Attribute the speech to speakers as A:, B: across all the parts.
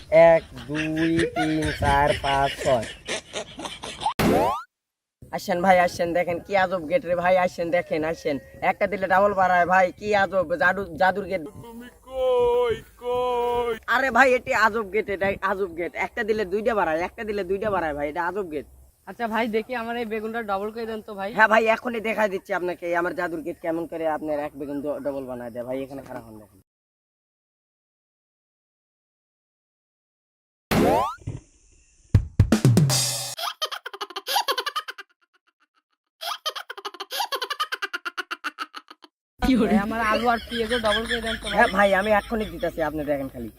A: এক ২ ৩ ৪ ৫ ৬। আসেন ভাই আসেন, দেখেন কি আজব গেট রে ভাই, আসেন দেখেন আসেন, একটা দিলে ডাবল বাড়ায় ভাই, কি আজব জাদুর গেট।
B: তুমি কই কই?
A: আরে ভাই এটি আজব গেট, এটা আজব গেট, একটা দিলে দুইটা বাড়ায়, একটা দিলে দুইটা বাড়ায় ভাই, এটা আজব গেট।
C: আচ্ছা ভাই, দেখি আমার এই বেগুনটা ডবল করে দেন তো ভাই।
A: হ্যাঁ ভাই এখনই দেখাই দিচ্ছি আপনাকে আমার জাদুর গেট কেমন করে আপনার এক বেগুন ডবল বানায় দেয় ভাই, এখানে খারাপ হন দেখেন।
C: ভাই, আমার আলু আর পেঁয়াজও ডবল করে দেন তো ভাই।
A: হ্যাঁ ভাই আমি এখনই দিতেছি, আপনি দেখেন খালি।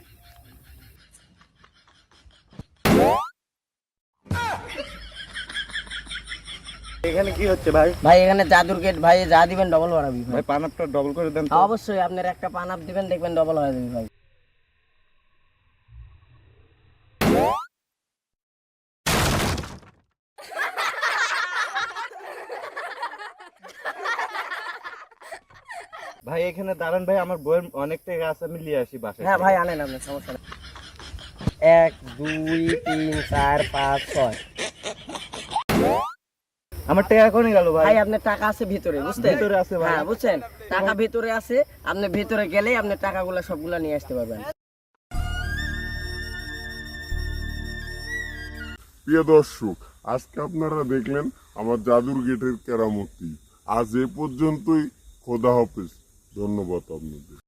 B: এখানে কি হচ্ছে ভাই?
A: ভাই এখানে জাদুর গেট ভাই, যা দিবেন ডবল বাড়াবি ভাই।
B: ভাই পানাপটা ডবল করে দেন তো।
A: অবশ্যই আপনার একটা পান আপ দিবেন, দেখবেন ডবল হয়ে যাবে ভাই।
B: ভাই এখানে দাঁড়ান ভাই, আমার বইয়ের অনেক টাকা আছে, আমি নিয়ে আসি বাসায়।
A: হ্যাঁ ভাই আনেন, আপনার সমস্যা নেই। এক ২ ৩ ৪ ৫ ৬।
B: আমার টাকা এখনই গেল ভাই।
A: ভাই আপনার টাকা আছে ভিতরে, বুঝছেন?
B: ভিতরে আছে ভাই।
A: হ্যাঁ বুঝছেন, টাকা ভিতরে আছে, আপনি ভিতরে গেলেই আপনার টাকাগুলো সবগুলা নিয়ে আসতে পারবেন।
D: প্রিয় দর্শক, আজকে আপনারা দেখলেন আমার জাদুর গেটের কেরামতি। আজ এ পর্যন্তই। খোদা হাফেজ। ধন্যবাদ আপনাদের।